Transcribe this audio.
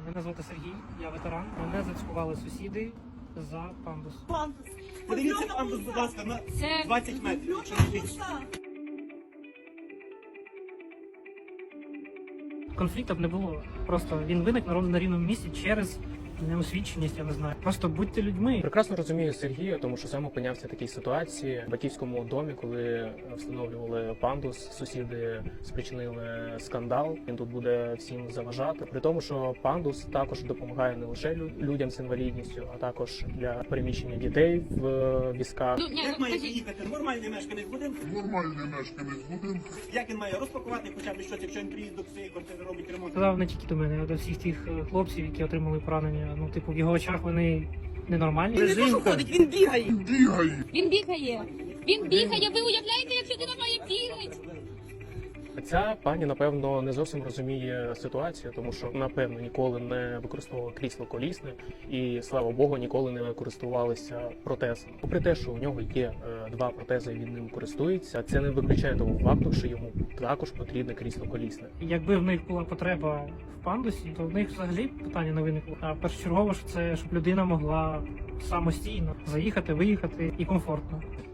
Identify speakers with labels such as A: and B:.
A: Мене звати Сергій, я ветеран. Мене зацькували сусіди за пандус.
B: Подивіться пандус, будь ласка, на 20 метрів, якщо не більше.
A: Конфліктів не було. Просто він виник на рівному місці через неосвіченість, я не знаю. Просто будьте людьми.
C: Прекрасно розумію Сергія, тому що сам опинявся в такій ситуації в батьківському домі, коли встановлювали пандус, сусіди спричинили скандал. Він тут буде всім заважати. При тому, що пандус також допомагає не лише людям з інвалідністю, а також для переміщення дітей в візках.
B: Як має приїхати нормальний мешканець будинку?
D: Нормальний мешканець будинку.
B: Як він має розпакувати хоча б щось, якщо він приїзд до своєї квартири робить ремонт?
A: Сказав не тільки до мене, а до всіх тих хлопців, які отримали поранення. Ну, типу, в його очах вони ненормальні.
B: Він не то, що ходить, він бігає.
D: Бігає.
E: Він бігає. Він бігає. Ви уявляєте, як людина має бігати?
C: Ця пані, напевно, не зовсім розуміє ситуацію, тому що, напевно, ніколи не використовувала крісло колісне і, слава Богу, ніколи не користувалися протезом. Попри те, що у нього є два протези, і він ним користується, це не виключає того факту, що йому також потрібне крісло колісне.
A: Якби в них була потреба в пандусі, то в них взагалі питання не виникло. А першочергово ж це, щоб людина могла самостійно заїхати, виїхати і комфортно.